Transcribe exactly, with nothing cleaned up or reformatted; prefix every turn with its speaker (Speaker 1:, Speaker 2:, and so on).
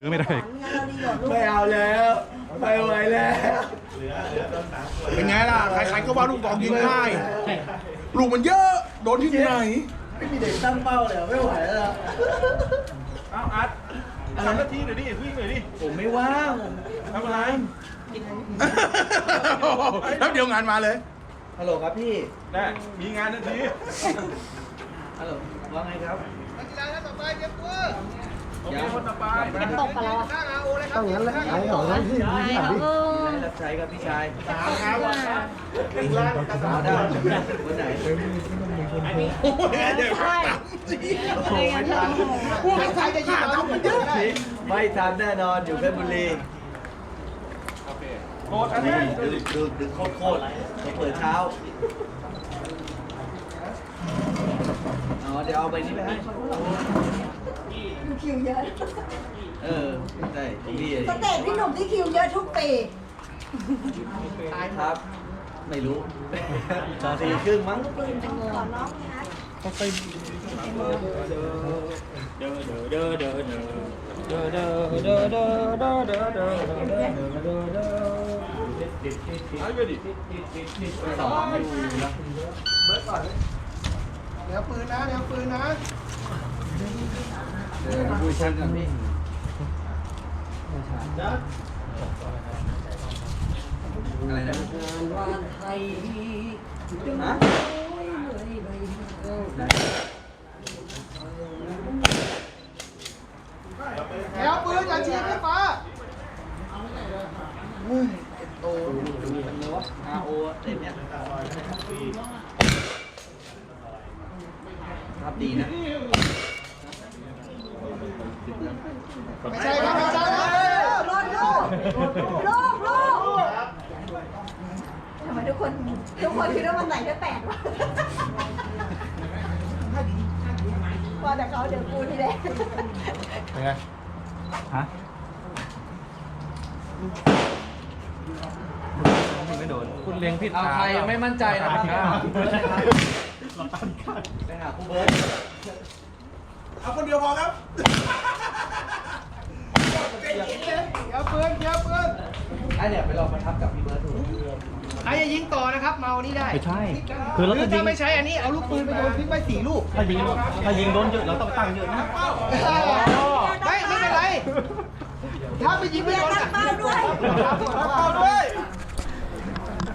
Speaker 1: ไม่ได้
Speaker 2: ไม่เอาแล้วไม่ไหวแล้วเป็นไงล่ะใครๆก็ว่าลูกดอกยิงง่ายลูกมันเยอะโดนที่ไหน
Speaker 3: ไม่มีเด็กตั้งเป้าเลยไม่ไหวแล้ว
Speaker 1: เอาอัดทำหน้าที่หน่อยดิวิ่งหน่อยดิ
Speaker 3: ผมไม่ว่างผม
Speaker 1: ทำอะไร
Speaker 2: แล้วเดี๋ยวงานมาเลย
Speaker 3: ฮัลโหลครับพี่
Speaker 1: ได้มีงานทันที
Speaker 3: ฮัลโหลว่าไงครับนักกีฬาท่านต่อไปเตรียมตัว
Speaker 1: โอเคคนต่อไป
Speaker 4: จะตกกันแล้วอ่ะ
Speaker 3: ต้องงั้นแล้วเอาของแล้วพี่พี่ถามพี่รับใช้ครับพี่ชายสามครับอีกล้านสามได้วันไหน
Speaker 2: โอ้ยเดี๋ยวใช่พวกใครจะยิงเรามันเยอะ
Speaker 3: ไม่ทันแน่นอนอยู่เพชรบุรี
Speaker 1: โคตรอันนี้
Speaker 3: ดึกดึกดึกโคตรโคตรเปิดเช้าอ๋อเดี๋ยวเอาใบนี้ไปให้
Speaker 4: คิวเยอะ
Speaker 3: เออใช่พี่
Speaker 4: สเตจพี่หนุ่มที่คิวเยอะทุกปี
Speaker 3: ครับไม่รู้สี่ครึ่งมั้ง
Speaker 4: ก่อนน้องนะ
Speaker 1: เด้อเด้อเด้อเด้อเด้อเด้อเด้อเด้อเด้อเด้อเด้อเด้อเด้อเด้อเด้อเด้อเด้อเด้อเอาไปดิ
Speaker 3: สองอยู่นะ
Speaker 2: เบิร์ดก่อนเดี๋ยวปืนนะเดี๋ยวปืนนะ
Speaker 3: เดี๋ยวดูชั้นกันพี่อะไรนะวันไทยฮะ
Speaker 2: แล้วปืนอย่าฉีดให้ฟ้า
Speaker 3: เฮ้ยโตดูกันเลยวะอาโอเต็มเนี่ยครับดีนะ
Speaker 2: ไม่ใช่ครับไม่ใช่
Speaker 4: รถลูกลูกลูกทำไมทุกคนทุกคนคิดว่ามันไหนจะแตกวะพอแต่เขาเดี๋ยวกูทีแรก
Speaker 1: เป็นไงฮะไม่โดนคุณเลี้ยงผิด
Speaker 3: เอาใครยังไม่มั่นใจนะครับไปหาคู่เบิร์ด
Speaker 2: เอาคนเดียวพอครับเดี๋ยวปืนเดี๋ยวปืน
Speaker 3: ไอ้เนี่ยไปลองประทับกับพี่เบิร์ดดู
Speaker 2: ใครจะยิงต่อนะครับเมานี่ได้
Speaker 1: ไม่ใช่
Speaker 2: คือเราถ้าไม่ใช้อันนี้เอาลูกปืนไปโยนทิ้งไว้สี่ลูก
Speaker 1: ถ้ายิงถ้ายิงโดนเยอะเราต้องตั้งเยอะนะ
Speaker 2: ไม่ไม่เป็นไรถ้าไปยิงไม่โดนอ่ะ
Speaker 4: เป้าด้วย
Speaker 2: เป้าด้วย